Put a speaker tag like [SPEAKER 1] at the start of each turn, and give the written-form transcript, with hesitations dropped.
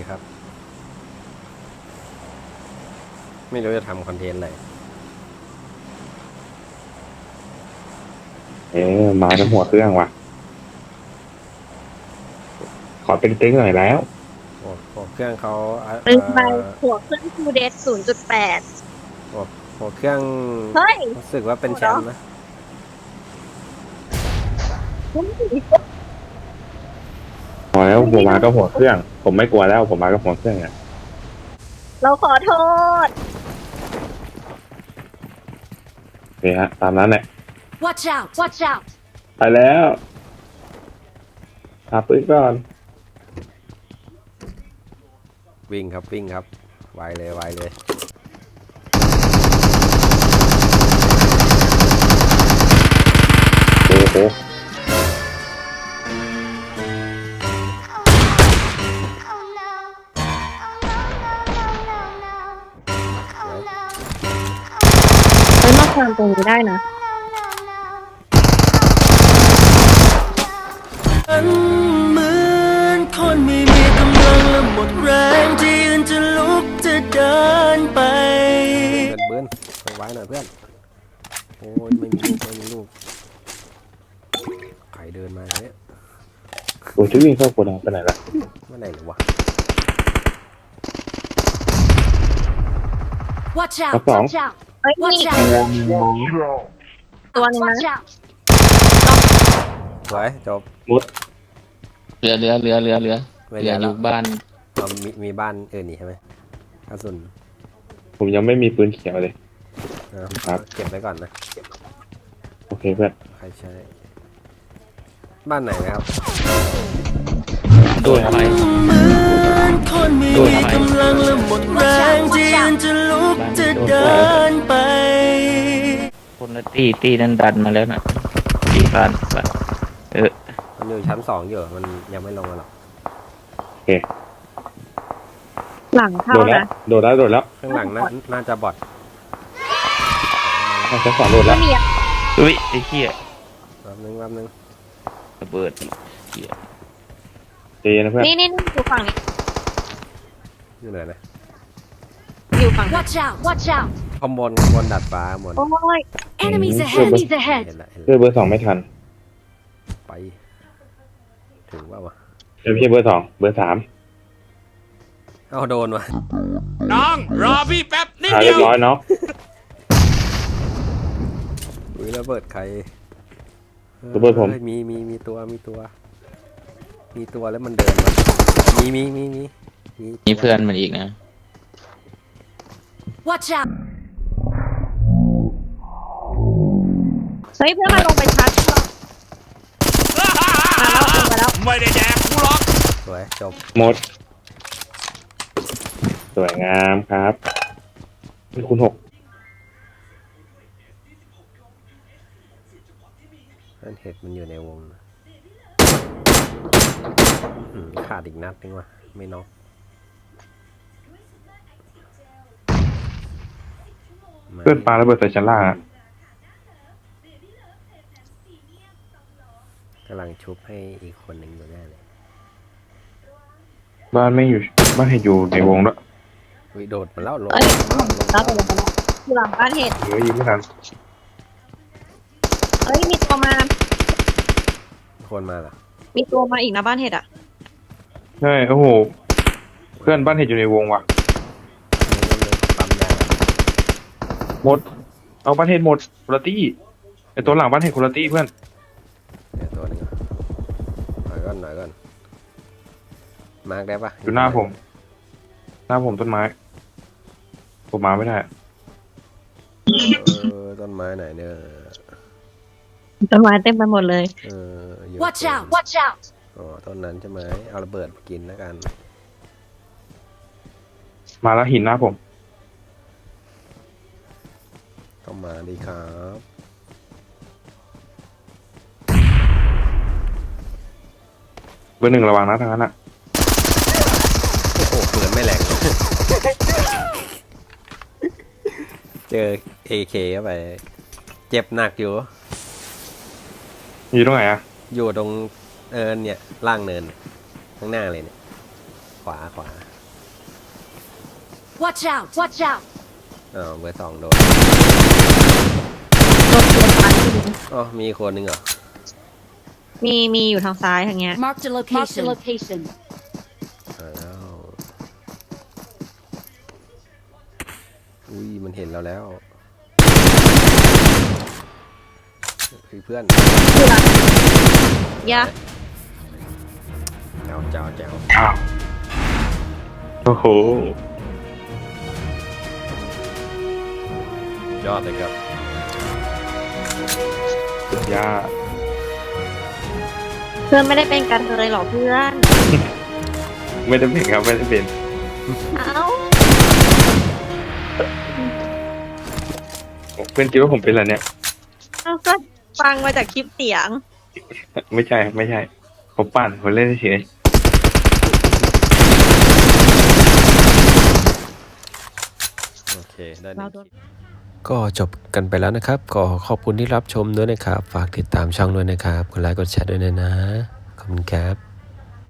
[SPEAKER 1] ครับไม่รู้จะทำคอนเทนต์อะไร
[SPEAKER 2] มาทั้งหัวเครื่องว่ะขอเป็นติ๊กหน่อยแล้ว
[SPEAKER 1] หัวเครื่องเขา
[SPEAKER 3] ลืมไปหัวเครื่องคูเดส0.8
[SPEAKER 1] หัวเครื่อง
[SPEAKER 3] เฮ้ย
[SPEAKER 1] รู้สึกว่าเป็นแชมป์นะ
[SPEAKER 2] พอแล้วผมมาก็หัวเครื่องผมไม่กลัวแล้วผมมาก็หัวเครื่องอ่ะ
[SPEAKER 3] เราขอโทษ
[SPEAKER 2] โอเคฮะตามนั้นแหละ
[SPEAKER 4] Watch out! Watch out!
[SPEAKER 2] ไปแล้วหาปืนก่อน
[SPEAKER 1] วิ่งครับไวเลย
[SPEAKER 2] โอ้โห
[SPEAKER 3] เฮ้ยมาความตรงนี้ได้นะ
[SPEAKER 5] เหมือนคนไม่มีกำลังและหมดแรงที่ยืนจะลุกจะเดินไป
[SPEAKER 1] เบิร์นไว้หน่อยเพื่อนโอ้ยไม่มีลูกใครเดินมาเนี่ย
[SPEAKER 2] โอ้ยที่วิ่งเข้าโกดังไปไหนละ
[SPEAKER 1] ว่าไหนหรือวะ
[SPEAKER 4] Watch
[SPEAKER 2] กระ
[SPEAKER 4] out!
[SPEAKER 2] ป๋อง
[SPEAKER 4] Watch out!
[SPEAKER 3] เฮ้ยนี่
[SPEAKER 4] Watch out!
[SPEAKER 3] ตัวนึง
[SPEAKER 4] Watch
[SPEAKER 3] นะ
[SPEAKER 4] out!
[SPEAKER 1] สวยจบ
[SPEAKER 2] มุด
[SPEAKER 6] เรืออ
[SPEAKER 1] ไม่
[SPEAKER 6] ยู่
[SPEAKER 1] ได้แล้ว
[SPEAKER 6] บ้าน
[SPEAKER 1] เรามีบ้านอื่นนี่ใช่ไหมกระสุน
[SPEAKER 2] ผมยังไม่มีปืนเขียวเลย ครับ
[SPEAKER 1] เก็บไว้ก่อนนะ
[SPEAKER 2] โอเคเพื่อน
[SPEAKER 1] ใครใช้บ้านไหนนะครับ
[SPEAKER 6] โดนทำไม
[SPEAKER 5] เหมือนคนไม่มีกำลังและหมดแรงที่ยืนจะลุกจะเดินไป
[SPEAKER 6] คนละตีนั้นดันมาแล้วนะตีบ้าน
[SPEAKER 1] มันอยู่ชั้น2อยู่มันยังไม่ลงมาหรอก
[SPEAKER 2] โอเค
[SPEAKER 3] หลังเข้า
[SPEAKER 2] โดดแล้ว
[SPEAKER 3] นะ
[SPEAKER 2] โดดแล้ว
[SPEAKER 1] ข้างหลังน่าจะบอด
[SPEAKER 2] ชั้นสองโดดแล้
[SPEAKER 3] ไม่
[SPEAKER 2] ว
[SPEAKER 3] มีอะ
[SPEAKER 6] อุ้ยไอ้เหี้ย
[SPEAKER 1] แป๊บนึง
[SPEAKER 6] ระเบิดเหี้ย
[SPEAKER 2] เจนะเพื่อน
[SPEAKER 3] นี่อยู่ฝั่งนี้
[SPEAKER 1] อยู่ไหนนะ
[SPEAKER 3] อยู่ฝั่งนี้
[SPEAKER 4] Watch out! Watch out!
[SPEAKER 1] ข้างบนดัดฟ้าบน
[SPEAKER 3] โอ้ย
[SPEAKER 4] Enemies ahead! Enemies ahead!
[SPEAKER 1] เห็นละ
[SPEAKER 2] เพื่อเบอร์สองไม่ทัน
[SPEAKER 1] ไปถึงว่าวะ
[SPEAKER 2] เดี๋ยวพี่เบอร์สองเบอร์สาม
[SPEAKER 1] เอาโดนวะ
[SPEAKER 5] น้องรอพี่แป๊บนิด
[SPEAKER 2] หา
[SPEAKER 5] เดี
[SPEAKER 2] เรี
[SPEAKER 5] ย
[SPEAKER 2] ยว บร้อยเนาะ
[SPEAKER 1] อุ้ยระเบิดใคร
[SPEAKER 2] ระเบิดผม
[SPEAKER 1] ฮ้ยมีตัวแล้วมันเดินมามี
[SPEAKER 6] มีเพื่อนมันอีกนะ
[SPEAKER 4] Watch out!
[SPEAKER 3] เฮ้ยเพื่อนมาลงไปชาร์จเราลงไปแล้ว
[SPEAKER 5] ไม่ได้แดกกูหรอก
[SPEAKER 1] สวยจบ
[SPEAKER 2] หมดสวยงามครับนี่คุณ6
[SPEAKER 1] นั่นเห็ดมันอยู่ในวงนะขาดอีกนัดนึงว่ะไม่น็อก
[SPEAKER 2] เพื่อนปลาระเบิดใส่ชั้นล่างอะ
[SPEAKER 1] กำลังชุบให้อีกคนหนึ่งอยู่แน่เลย
[SPEAKER 2] บ้านไม่อยู่บ้านเห็นอยู่ในวงด้วย
[SPEAKER 1] วิโดดมาแล้วลง
[SPEAKER 3] เอ้ยแล้วไปแล้วอยู่หลังบ้านเห็ด
[SPEAKER 2] เดี๋ยวยิงไม่ทัน
[SPEAKER 3] เฮ้ยมีตัวมา
[SPEAKER 1] คนมาเหรอ
[SPEAKER 3] มีตัวมาอีกนะบ้านเห็ดอ่ะ
[SPEAKER 2] ใช่โอ้โหเพื่อนบ้านเห็นอยู่ในวงว่ะ
[SPEAKER 1] ปั๊มยา
[SPEAKER 2] หมดเอาบ้านเห็นหมดคุณตี้ไอตัวหลังบ้านเห็นคุณตี้เพื่อน
[SPEAKER 1] เดี๋ยวตัวหนึงอ่ะหน่อยก่อนมาร์กได้ปะ
[SPEAKER 2] อยู่หน้าผมต้นไม้ผมมาไม่ได้
[SPEAKER 1] ต้นไม้ไหนเนี่ย
[SPEAKER 3] ต้นไม้เต็มไปหมดเลย
[SPEAKER 1] อยู่
[SPEAKER 4] Watch out! Watch out!
[SPEAKER 1] อ๋อต้นนั้นใช่ไหมเอาระเบิดกินแล้วกัน
[SPEAKER 2] มาแล้วหินหน้าผม
[SPEAKER 1] ต้องมาดีครับ
[SPEAKER 2] เบอร์หนึ่งระวังนะทางนั้นอ่ะ
[SPEAKER 1] โอ้โหปืนไม่แรง เจอ AK เข้าไปเจ็บหนักอยู่
[SPEAKER 2] อยู่ตรงไหนอ่ะ
[SPEAKER 1] อยู่ตรงเนี่ยล่างเนินข้างหน้าเลยเนี่ยขวา
[SPEAKER 4] Watch out! Watch out!
[SPEAKER 1] อ้าวเบอร์ 2โดน
[SPEAKER 3] โดนตัวซ้ายไปดู
[SPEAKER 1] อ๋อมีคนหนึ่งเหรอ
[SPEAKER 3] มีอยู่ทางซ้ายทางเงี้ย
[SPEAKER 4] Marked a location. Marked a location.
[SPEAKER 1] อ้าวอุ้ยมันเห็นเราแล้วคือเพื่อน
[SPEAKER 3] ยะ
[SPEAKER 1] เจ้าเจ้าเจ้า
[SPEAKER 2] อ้าวโอ้โห
[SPEAKER 1] ยอดเลยครับ
[SPEAKER 2] สุดยอด
[SPEAKER 3] เพื่อนไม่ได้เป็นกันเลยหรอเพื่อน
[SPEAKER 2] ไม่ได้เป็นครับไม่ได้เป็น
[SPEAKER 3] เอ้า
[SPEAKER 2] เพื่อนคิดว่าผมเป็นอะไรเนี่ย
[SPEAKER 3] เอ้าก็ฟังมาจากคลิปเสียง
[SPEAKER 2] ไม่ใช่ไม่ใช่ผมปั่นผมเล่นเฉย
[SPEAKER 1] โอเคได้
[SPEAKER 3] เราโดน
[SPEAKER 1] ก็จบกันไปแล้วนะครับก็ขอบคุณที่รับชมด้วยนะครับฝากติดตามช่องด้วยนะครับกดไลค์กดแชร์ด้วยนะขอบคุณครับ